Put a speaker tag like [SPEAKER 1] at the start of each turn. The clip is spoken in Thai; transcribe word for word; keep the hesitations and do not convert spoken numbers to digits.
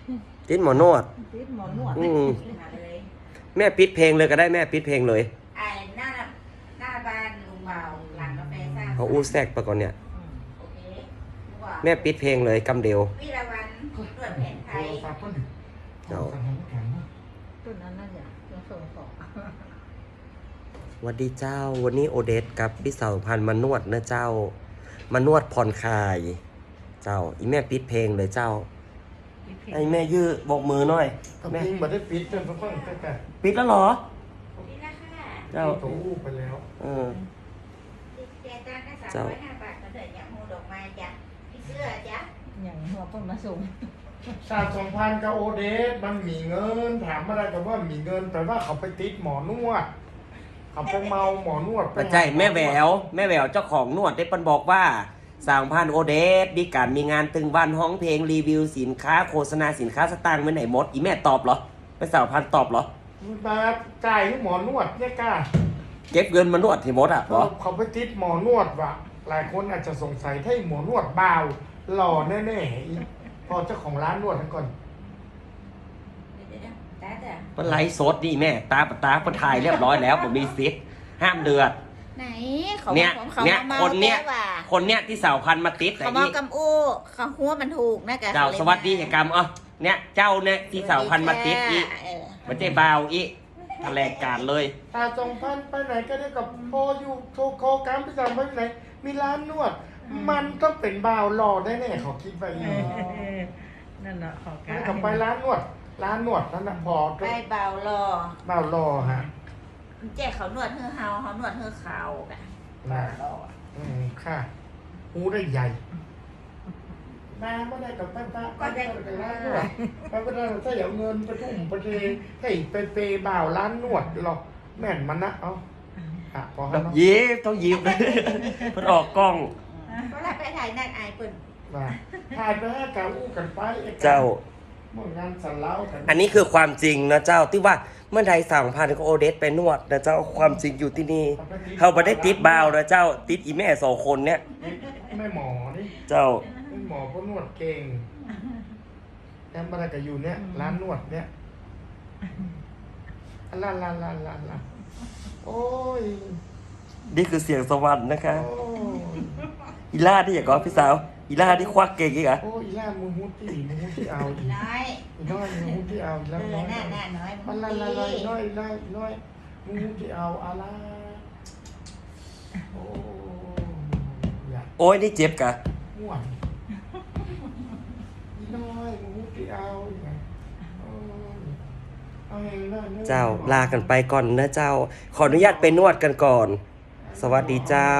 [SPEAKER 1] ติดหมอนวด
[SPEAKER 2] ติดหมอนวด
[SPEAKER 1] อืมแม่ปิดเพลงเลยก็ได้แม่ปิดเพลงเลย
[SPEAKER 3] ไอ้หน้าหน้าบ้านลุงเบาหลังกาแฟสร้าง
[SPEAKER 1] เขาอู้แทรกไปก่อนเนี่ย
[SPEAKER 3] โอเคว่า
[SPEAKER 1] แม่ปิดเพลงเลยกำเดียว
[SPEAKER 3] วิรวันตรวจแผนไทย
[SPEAKER 1] เจ้า
[SPEAKER 2] ต้นนั้นน่าจะจะส่งของ
[SPEAKER 1] สวัสดีเจ้าวันนี้โอเดสกับพี่สาวพันธุ์มานวดนะเจ้า มานวดผ่อนคลาย เจ้าอีแม่ปิดเพลงเลยเจ้าไอแม่ยื้อบอกมือหน่อย
[SPEAKER 4] แม่
[SPEAKER 1] แม่
[SPEAKER 4] พิงบัได้ปิดจนต้องแต่แต่
[SPEAKER 1] ปิดแล้วเหรอ
[SPEAKER 3] นี่ละค่ะ
[SPEAKER 1] เจ้า
[SPEAKER 4] ตัวอู้ไปแล้ว
[SPEAKER 1] เออ
[SPEAKER 3] เจ๊จ้างแค่สามร้อยห้าบาทก็เถิดอย่างหูดอกไม้จ้ะพี่เสื้อจ้ะ
[SPEAKER 2] อย่างหัวต้นมาส่ง
[SPEAKER 4] ชาติสองพันกับโอเดสมันมีเงินถามอะไรกับว่ามีเงินแต่ว่าเขาไปติดหมอนวดเขาไปเมาหมอนวด
[SPEAKER 1] ปัจจัยแม่แหววแม่แหววเจ้าของนวดได้ปันบอกว่าสางพันโอเดสมีการมีงานตึงวันห้องเพลงรีวิวสินค้าโฆษณาสินค้าสตางค์ไว้ไหนหมดอีแม่ตอบเหรอไปสาวพันตอบเหรอ
[SPEAKER 4] มาจ่ายให้หมอนวดเนี่ยกล้า
[SPEAKER 1] เก็บเงินมานวดที่หมดอ่ะเหรอ
[SPEAKER 4] เขาไปติดหมอนวดว่ะหลายคนอาจจะสงสัยถ้าหมอนวดเบาหล่อแน่ๆอีพอเจ้าของร้านนวดทั้งก่อน
[SPEAKER 3] เดี๋ยวๆจ้าจ้ะ
[SPEAKER 1] มันไลฟ์สดนี่แม่ตาปะตาปะถ่ายเรียบร้อยแล้วผมมีซิทห้ามเดือด
[SPEAKER 3] ไหนเขา
[SPEAKER 1] เนี่ย
[SPEAKER 3] ของเขา
[SPEAKER 1] เนี่ย
[SPEAKER 3] เมา
[SPEAKER 1] คนเนี่ย
[SPEAKER 3] ว่า
[SPEAKER 1] คนเนี้ยที่สาวพันธุ์มาติด
[SPEAKER 3] เขา
[SPEAKER 1] ไอ้
[SPEAKER 3] เมา
[SPEAKER 1] นี่
[SPEAKER 3] กำอู้เขาหัวมันถูกนะกะ
[SPEAKER 1] เจ้าสวัสดีเหตุกรรมเออเนี่ยเจ้าเนี่ยที่สาวพันธุ์มาติดอี
[SPEAKER 3] เออ
[SPEAKER 1] มันใจบาวอีแถลงการเลย
[SPEAKER 4] ตาสองพันไปไหนก็ได้กับพออยู่โทรโคกรรมไปสั่งไปไหน มีร้านนวด มันต้องเป็นบ่าวหล่อแน่ๆเขาคิดไปอยู่
[SPEAKER 2] นั่นแหละขอการ
[SPEAKER 4] แล้วก็ไปร้านนวด ร้านนวดนั่นนะพอ
[SPEAKER 3] ไปเบารอ
[SPEAKER 4] บ่าวหล่อฮะ
[SPEAKER 3] แจ้เขานวดเฮือเฮาเขานวดเฮือเขากะ
[SPEAKER 4] นะ
[SPEAKER 3] รอ
[SPEAKER 4] อืมค่ะหูได้ใหญ่มาไม่ได้กับป้าป้าก็ได้กับร้านนวดป้าก็ได้ถ้าอยากเงินไปทุ่มไปเทให้ไปเปย์บ่าวร้านนวดหรอกแม่นมันนะเอาอ่ะพอ
[SPEAKER 1] แบ
[SPEAKER 4] แล้ว
[SPEAKER 1] บ
[SPEAKER 4] เนาะ
[SPEAKER 1] ยิ้มต้องยิ้ม มันออกกล้อง
[SPEAKER 3] เพราะเราไปถ่ายนั่นอายเปิ่น
[SPEAKER 4] มาถ่ายไปให้กาอู้กันไปไอ้ก
[SPEAKER 1] เจ้า
[SPEAKER 4] เมื่องานสันเล้ากัน
[SPEAKER 1] อันนี้คือความจริงนะเจ้าที่ว่าเมื่อใดสั่งพันก็โอเดสไปนวดนะเจ้าความจริงอยู่ที่นี่เขาไม่ได้ติดบาวนะเจ้าติดอีแม่สองคนเนี่ย
[SPEAKER 4] ไม่หมอนี่
[SPEAKER 1] เจ้า
[SPEAKER 4] ไม่หมอเพราะนวดเก่งแอมอะไรกับอยู่เนี่ย ร้านนวดเนี่ยอันลาลาลาลาลาโอ้ย
[SPEAKER 1] นี่คือเสียงสวรรค์นะคะ
[SPEAKER 4] โอ้ย
[SPEAKER 1] อีล่าที่อยากก็พี่สาวอีล่าที่ควักเก่งอีกอะ
[SPEAKER 4] โอ้ยอีล่ามือฮุดที่มือฮุดที่เอาอี
[SPEAKER 3] น้อย
[SPEAKER 4] อีน้อยมือฮุดที่เอาอี
[SPEAKER 3] เอ
[SPEAKER 4] แล้ว
[SPEAKER 3] อ
[SPEAKER 4] น้อย
[SPEAKER 3] หน้าหน้าน้อย
[SPEAKER 4] มันละละละอีน้อยอีน้อยอีน้อยมือฮุดที่เอาอะไรโอ้ยอยาก
[SPEAKER 1] โอ้ยนี่เจ็บกะ
[SPEAKER 4] ม่วนอีน้อยมือฮุดที่เอาอีกไงโอ้ยเอาให้น้อยน้อย
[SPEAKER 1] เจ้าลากันไปก่อนนะเจ้า ขออนุญาตไปนวดกันก่อน สวัสดีเจ้า